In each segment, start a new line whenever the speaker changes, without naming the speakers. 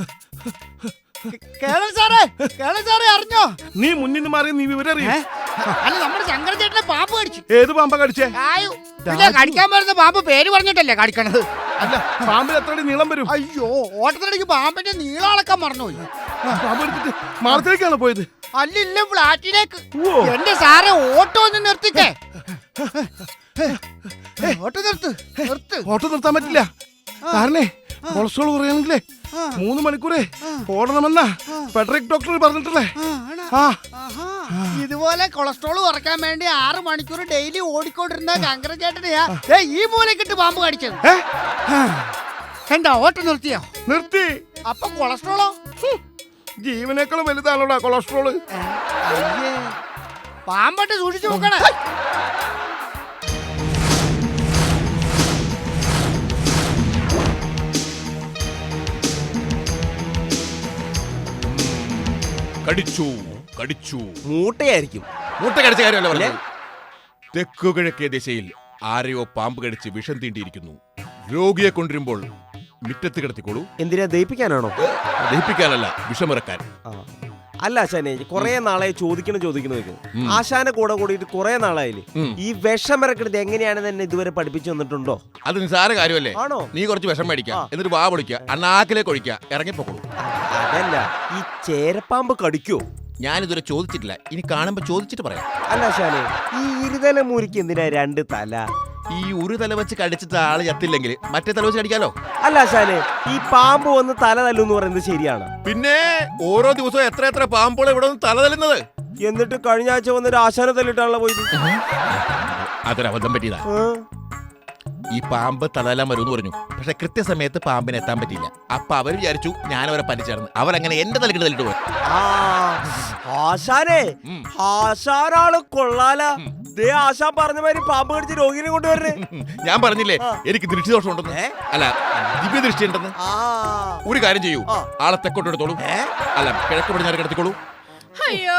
സാറേ അറിഞ്ഞോ?
നീ മുന്നിൽ മാറി നീ വിവരം അറിയാം.
അല്ല നമ്മുടെ ശങ്കരചേട്ടനെ പാമ്പ് കടിച്ചു.
ഏത് പാമ്പ കടിച്ചേ?
കടിക്കാൻ വരുന്ന പാമ്പ് പേര് പറഞ്ഞിട്ടല്ലേ കടിക്കണത്?
അല്ല പാമ്പിന് എത്ര നീളം വരും?
അയ്യോ, ഓട്ടത്തിനിടയ്ക്ക് പാമ്പിന്റെ നീളം അളക്കാൻ മറന്നുപോയി.
പാമ്പ് എടുത്തിട്ട് മാളത്തിലേക്കാണ് പോയത്?
അല്ലില്ല, ഫ്ലാറ്റിലേക്ക്. എന്റെ സാറെ ഓട്ടോ ഒന്ന് നിർത്തിക്കേ. ഓട്ടോ
ഓട്ടോ നിർത്താൻ പറ്റില്ല. കാരണേ കൊളസ്ട്രോൾ കുറയാണെങ്കിലേ 3 മണിക്കൂറേ ഓടണമെന്നാ ഫെഡറിക് ഡോക്ടർ പറഞ്ഞിട്ടല്ലേ.
ഇതുപോലെ കൊളസ്ട്രോൾ കുറയ്ക്കാൻ വേണ്ടി 6 മണിക്കൂർ ഡെയിലി ഓടിക്കൊണ്ടിരുന്ന ശങ്കരചേട്ടനെയാ ഈ മൂലക്കിട്ട് പാമ്പ് കടിച്ചത്. എന്താ ഓട്ടം നിർത്തിയോ?
നിർത്തി.
അപ്പൊ കൊളസ്ട്രോളോ?
ജീവനേക്കാളും വലുതാണോടാ കൊളസ്ട്രോള്.
പാമ്പട്ട് സൂക്ഷിച്ചു നോക്കണേ.
കടിച്ചു
മൂട്ടയായിരിക്കും.
മൂട്ട കടിച്ച കാര്യമല്ല പറഞ്ഞത്. തെക്കു കിഴക്കേ ദിശയിൽ ആരെയോ പാമ്പ് കടിച്ച് വിഷം തീണ്ടിയിരിക്കുന്നു. രോഗിയെ കൊണ്ടുവരുമ്പോൾ മുറ്റത്ത് കിടത്തിക്കോളൂ.
എന്തിനാ ദഹിപ്പിക്കാനാണോ?
ദഹിപ്പിക്കാനല്ല, വിഷമിറക്കാൻ.
അല്ല ആശാനെ, കൊറേ നാളായി ചോദിക്കണം. ആശാനെ കൂടിയിട്ട് കൊറേ നാളായില്ലേ. ഈ വിഷമിറക്കുന്നത് എങ്ങനെയാണെന്ന് എന്നെ ഇതുവരെ പഠിപ്പിച്ചു തന്നിട്ടുണ്ടോ?
അത് നിസാര കാര്യമല്ലേ.
ആണോ?
നീ കുറച്ച് വിഷം മേടിക്കാം, എന്നിട്ട് വാ പൊളിക്കുക, അണ്ണാക്കിലേക്ക് ഒഴിക്കുക, ഇറങ്ങിപ്പോക്കോളൂ.
അതല്ല, ഈ ചേരപ്പാമ്പ് കടിക്കോ?
ഞാനിതുവരെ ചോദിച്ചിട്ടില്ല, ഇനി കാണുമ്പോ ചോദിച്ചിട്ട് പറയാം.
അല്ല ആശാനെ, ഈ ഇരുതല മൂരിക്ക് എന്തിനാ 2 തല?
ഈ ഒരു തല വെച്ച് കടിച്ചിട്ട് ആള് ചത്തില്ലെങ്കിൽ മറ്റേ തല വെച്ച് കടിക്കാലോ.
അല്ല ആശാനെ, ഈ പാമ്പ് വന്ന് തല തല്ലൂന്ന് പറയുന്നത് ശരിയാണ്?
പിന്നെ ഓരോ ദിവസവും എത്ര പാമ്പുകൾ ഇവിടെ വന്ന് തല തല്ലുന്നത്.
എന്നിട്ട് കഴിഞ്ഞ ആഴ്ച വന്നൊരു ആശാനെ തല്ലിട്ടാണല്ലോ പോയത്.
അതൊരബദ്ധം പറ്റിയതാ. ഈ പാമ്പ് തലതല്ലാൻ വരുമെന്ന് പറഞ്ഞു, പക്ഷെ കൃത്യസമയത്ത് പാമ്പിന് എത്താൻ പറ്റിയില്ല. അപ്പൊ അവർ വിചാരിച്ചു ഞാൻ അവരെ പനിച്ചേർന്ന്, അവരങ്ങനെ എന്റെ തലക്കിട്ട് തല്ലിട്ട് പോയി.
ആശാനെ, ആശാനാള് കൊള്ളാല. ആശാൻ പറഞ്ഞ മാതിരി പാമ്പ് കടിച്ച് രോഗിനെ കൊണ്ടുവരണേ.
ഞാൻ പറഞ്ഞില്ലേ എനിക്ക് ദൃഷ്ടിദോഷം ഉണ്ടെന്ന്. അല്ല, ദിവ്യ ദൃഷ്ടി ഉണ്ടെന്ന്. ഒരു കാര്യം ചെയ്യൂ, ആളെ തെക്കോട്ട് എടുത്തോളൂ. അല്ല, കിഴക്ക് പടിഞ്ഞാറ് കിടത്തിക്കോളൂ.
അയ്യോ,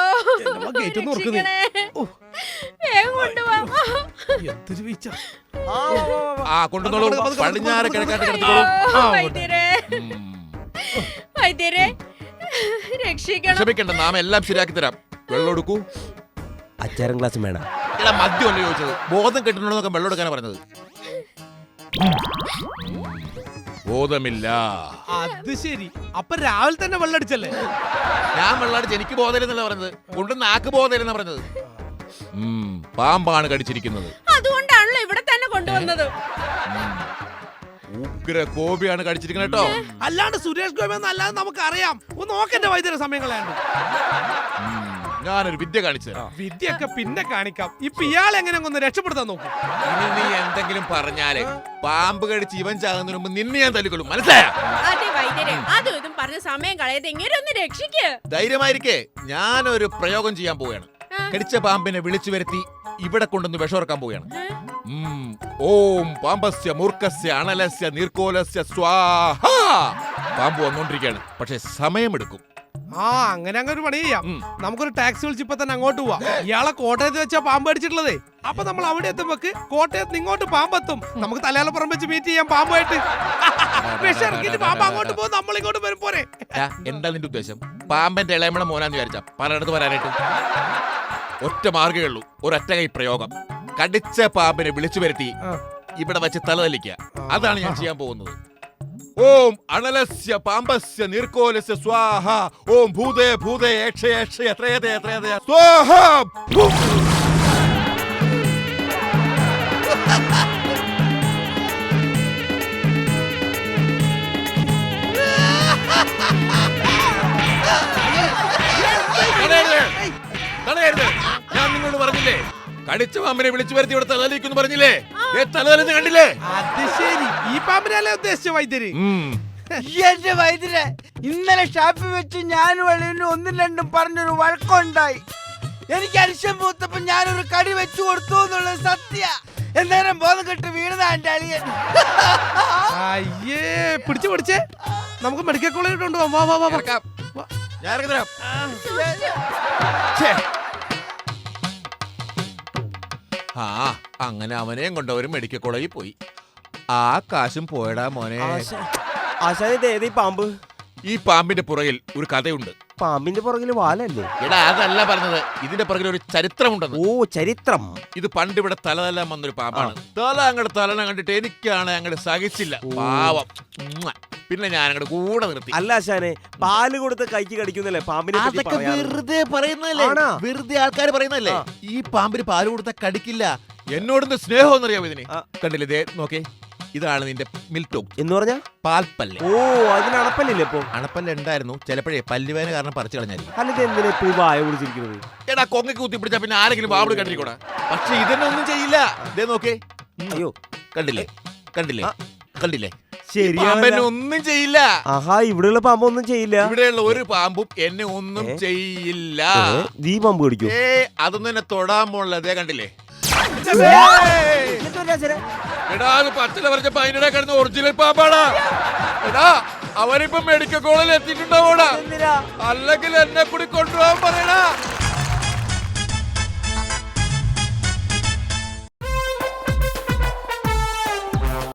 കൊണ്ടുവന്നോളൂ. പടിഞ്ഞാറ് കിഴക്കാട്ട് കിടത്തിക്കോളൂ. ക്ഷമിക്കണ്ട, നാം എല്ലാം ശരിയാക്കി തരാം. വെള്ളം എടുക്കൂ.
അച്ചാരം ഗ്ലാസ് വേണം.
മദ്യമല്ല ചോദിച്ചത്, ബോധം കെട്ടുന്നൊക്കെ വെള്ളം എടുക്കാനാണ് പറഞ്ഞത്. ബോധമില്ല.
അത് ശരി, അപ്പൊ രാവിലെ തന്നെ വെള്ളം അടിച്ചല്ലേ?
ഞാൻ വെള്ളം അടിച്ച് എനിക്ക് ബോധമില്ലെന്നല്ല പറഞ്ഞത്, കൊണ്ട് നാക്ക് ബോധമില്ലെന്നാ പറഞ്ഞത്. പാമ്പാണ് കടിച്ചിരിക്കുന്നത്.
അതുകൊണ്ടാണല്ലോ ഇവിടെ തന്നെ കൊണ്ടുവന്നത്.
ഉഗ്ര ഗോപിയാണ് കടിച്ചിരിക്കുന്നത് കേട്ടോ.
അല്ലാണ്ട് സുരേഷ് ഗോപി എന്നല്ലാതെ നമുക്ക് അറിയാം. ഒന്ന് നോക്കന്റെ വൈദ്യുത സമയങ്ങളാണ്.
ഞാനൊരു വിദ്യ കാണിച്ചു.
വിദ്യയൊക്കെ പിന്നെ കാണിക്കാം. ഇപ്പൊ ഇയാൾ എങ്ങനെ ഒന്ന് രക്ഷപ്പെടുത്താൻ നോക്കും.
ഇനി നീ എന്തെങ്കിലും പറഞ്ഞാല് പാമ്പ് കടിച്ച് ഇവൻ ചാകുന്നതിന് മുമ്പ് നിന്നെ ഞാൻ തല്ലിക്കൊള്ളും, മനസ്സിലായോ?
അതും ഇതും പറഞ്ഞ സമയം കളയാതെ എങ്ങനെ ഒന്ന് രക്ഷിക്ക്.
ധൈര്യമായിരിക്കേ, ഞാനൊരു പ്രയോഗം ചെയ്യാൻ പോവുകയാണ്. കടിച്ച പാമ്പിനെ വിളിച്ചു വരുത്തി ഇവിടെ കൊണ്ടൊന്ന് വിഷമിറക്കാൻ പോവുകയാണ്. ഓം പാമ്പസ്യ മൂർഖസ്യ അണലസ്യ നീർക്കോലസ്യ സ്വാഹ. പാമ്പ് വന്നോണ്ടിരിക്കുകയാണ്, പക്ഷെ സമയമെടുക്കും.
അങ്ങനെ ഒരു പണി ചെയ്യാം. നമുക്കൊരു ടാക്സി വിളിച്ച് ഇപ്പൊ തന്നെ അങ്ങോട്ട് പോവാം. ഇയാളെ കോട്ടയത്ത് വെച്ചാ പാമ്പ് അടിച്ചിട്ടുള്ളതേ. അപ്പൊ നമ്മൾ അവിടെ എത്തുമ്പോക്ക് കോട്ടയത്ത് ഇങ്ങോട്ട് പാമ്പെത്തും. നമുക്ക് തലയാളപ്പുറം വെച്ച് മീറ്റ് ചെയ്യാം പാമ്പുമായിട്ട്. വിഷമിറക്കിട്ട് പാമ്പ് അങ്ങോട്ട് പോകും, നമ്മൾ ഇങ്ങോട്ട് വരും. പോരെ?
എന്താ നിന്റെ ഉദ്ദേശം? പാമ്പന്റെ ഇളയമണ മോനാന്ന് വിചാരിച്ചാ പലയിടത്ത് വരാനായിട്ട്? ഒറ്റ മാർഗ്ഗമേ ഉള്ളൂ, ഒരൊറ്റ കൈ പ്രയോഗം. കടിച്ച പാമ്പിനെ വിളിച്ചു വരുത്തി ഇവിടെ വെച്ച് തലതല്ലിക്കുക. അതാണ് ഞാൻ ചെയ്യാൻ പോകുന്നത്. ഓം അണലസ്യ പാമ്പസ്യ നീർക്കോലസ്യ സ്വാഹ. ഓം ഭൂതേ ഭൂതേ യക്ഷേ യക്ഷേ ത്രേതേ ത്രേതേ സ്വാഹ. ഞാൻ നിങ്ങളോട് പറഞ്ഞില്ലേ, കടിച്ച പാമ്പിനെ വിളിച്ചു വരുത്തി ഇവിടെ തലലിക്കുന്നു പറഞ്ഞില്ലേ? തലതലെന്ന് കണ്ടില്ലേ?
അത് ശരി, ഈ പാമ്പിനല്ലേ ഉദ്ദേശിച്ച വൈദ്യര്?
എന്റെ വൈദ്യരെ, ഇന്നലെ ഷാപ്പിൽ വെച്ച് ഞാൻ വെളിയിൽ 1-2 പറഞ്ഞൊരു വഴക്കുണ്ടായി. എനിക്ക് അരിശം പൂത്തപ്പോ ഞാനൊരു കടി വെച്ചു കൊടുത്തു എന്നുള്ളത് സത്യ. എന്നേരം ബോധം കെട്ട് വീണതാ എന്റെ അളിയൻ.
അയ്യേ, പിടിച്ചേ നമുക്ക് മെഡിക്കൽ കോളേജിൽ കൊണ്ടുപോകാം.
അങ്ങനെ അവനെയും കൊണ്ടവരും മെഡിക്കൽ കോളേജിൽ പോയി. ആ കാശും പോയടാ മോനെ.
ആശാനെ, പാമ്പ്
ഈ പാമ്പിന്റെ പുറകിൽ ഒരു കഥയുണ്ട്.
പാമ്പിന്റെ പുറകില് വാലല്ലേ?
എടാ അതല്ല പറഞ്ഞത്, ഇതിന്റെ പുറകിൽ ഒരു ചരിത്രമുണ്ടെന്ന്.
ഓ ചരിത്രം.
ഇത് പണ്ട് ഇവിടെ തലതെല്ലാം വന്നൊരു പാമ്പാണ്. തല അങ്ങോട്ട് തലനെ കണ്ടിട്ട് എനിക്കാണ് അങ്ങോട്ട് സഹിച്ചില്ല. പാവം. പിന്നെ ഞാൻ അങ്ങോട്ട് കൂടെ നിർത്തി.
അല്ല ആശാനെ, പാല് കൊടുത്ത് കൈക്ക് കടിക്കുന്നല്ലേ പാമ്പിനെ പറ്റി
അതൊക്കെ
പറയാറ്?
വെറുതെ പറയുന്നല്ലേ,
ആണോ?
വെറുതെ ആൾക്കാർ പറയുന്നല്ലേ. ഈ പാമ്പിന് പാല് കൊടുത്താൽ കടിക്കില്ല. എന്നോടൊന്ന് സ്നേഹം എന്നറിയാമോ ഇതിന്? കണ്ടില്ലേ, ദേ നോക്കേ, ഇതാണ് നിന്റെ മിൽട്ടോക്ക്
എന്ന് പറഞ്ഞാ
പാൽപ്പല്ല്.
ഓ അതിന് അണപ്പല്ലില്ലേ ഇപ്പൊ?
അണപ്പല്ല് ഉണ്ടായിരുന്നു, ചിലപ്പോഴേ പല്ലുവേന കാരണം പറിച്ചു കളഞ്ഞായിരിക്കും.
അല്ലെങ്കിൽ എന്തിനാ ഇപ്പൊ ഈ വായ വിളിച്ചിരിക്കുന്നത്?
എടാ കൊങ്ങക്ക് കുത്തി പിടിച്ചാ പിന്നെ ആരെങ്കിലും വാവിട് കണ്ടിരിക്കൂടാ. പക്ഷെ ഇതൊന്നും ചെയ്യില്ല. ദേ നോക്കേ,
അയ്യോ
കണ്ടില്ലേ കണ്ടില്ലേ കണ്ടില്ലേ,
ശരിയാണ്.
പാമ്പെന്നെ ഒന്നും ചെയ്യില്ല.
ആഹാ, ഇവിടെയുള്ള പാമ്പ് ഒന്നും ചെയ്യില്ല.
ഇവിടെയുള്ള ഒരു പാമ്പും എന്നെ ഒന്നും ചെയ്യില്ല.
നീ പാമ്പ് കടിക്കോ?
അതൊന്നും എന്നെ തൊടാൻ പോണില്ല. അതേ കണ്ടില്ലേ? എടാ അത് പച്ചില പറഞ്ഞപ്പോ അതിനിടെ കിടന്ന് ഒറിജിനൽ പാമ്പാടാ. എടാ അവനിപ്പോ മെഡിക്കൽ കോളേജിൽ എത്തിയിട്ടുണ്ടാവോടാ, അല്ലെങ്കിൽ എന്നെ കൂടി കൊണ്ടുപോകാൻ പറയടാ.